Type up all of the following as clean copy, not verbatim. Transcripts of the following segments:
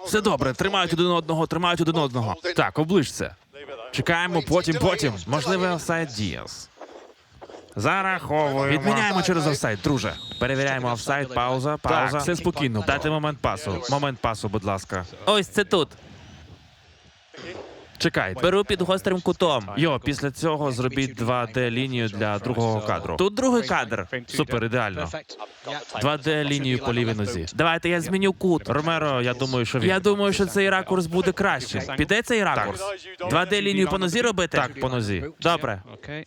Все добре, тримають один одного, тримають один одного. Так, оближ це. Чекаємо, потім. Можливий офсайд Діас. Зараховуємо. Відміняємо через офсайд, друже. Перевіряємо офсайд, пауза. Так, все спокійно. Дайте момент пасу. Момент пасу, будь ласка. Ось це тут. Чекай. Беру під гострим кутом. Йо, після цього зробіть 2D-лінію для другого кадру. Тут другий кадр. Супер, ідеально. 2D-лінію по лівій нозі. Давайте я зміню кут. Ромеро, я думаю, що він... Я думаю, що цей ракурс буде краще. Піде цей ракурс? 2D-лінію по нозі робити? Так, по нозі. Добре.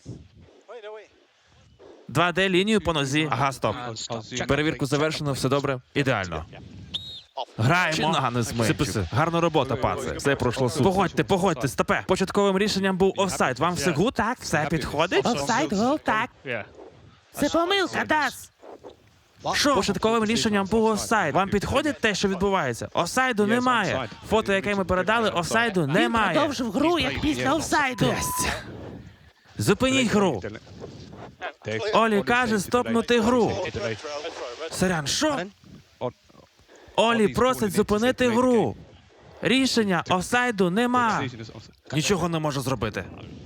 2D-лінію по нозі. Ага, стоп. Перевірку завершено, все добре. Ідеально. Граємо. Чи нога не зменшив? Гарна робота, паце. Все пройшло супер. Погодьте, стопе. Початковим рішенням був офсайд. Вам все гуд? Так, все підходить? Офсайд, гол, так. Це помилка, Дас. Що? Початковим рішенням був офсайд. Вам підходить те, що відбувається? Офсайду немає. Фото, яке ми передали, офсайду немає. Він продовжив гру, як після офсайду. Зупиніть гру. Олі каже стопнути гру. Сорян, що? Олі просить зупинити гру. Рішення офсайду нема. Нічого не можу зробити.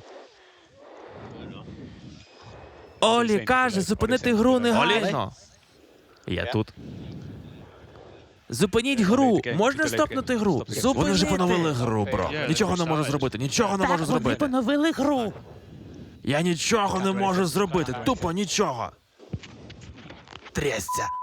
Олі каже зупинити гру негайно. Я тут. Зупиніть гру. Можна стопнути гру? Зупинити. Вони вже поновили гру, бро. Нічого не можу зробити. Нічого не можу Так, вони зробити. поновили гру. Я нічого не можу зробити. Тупо нічого. Трясця.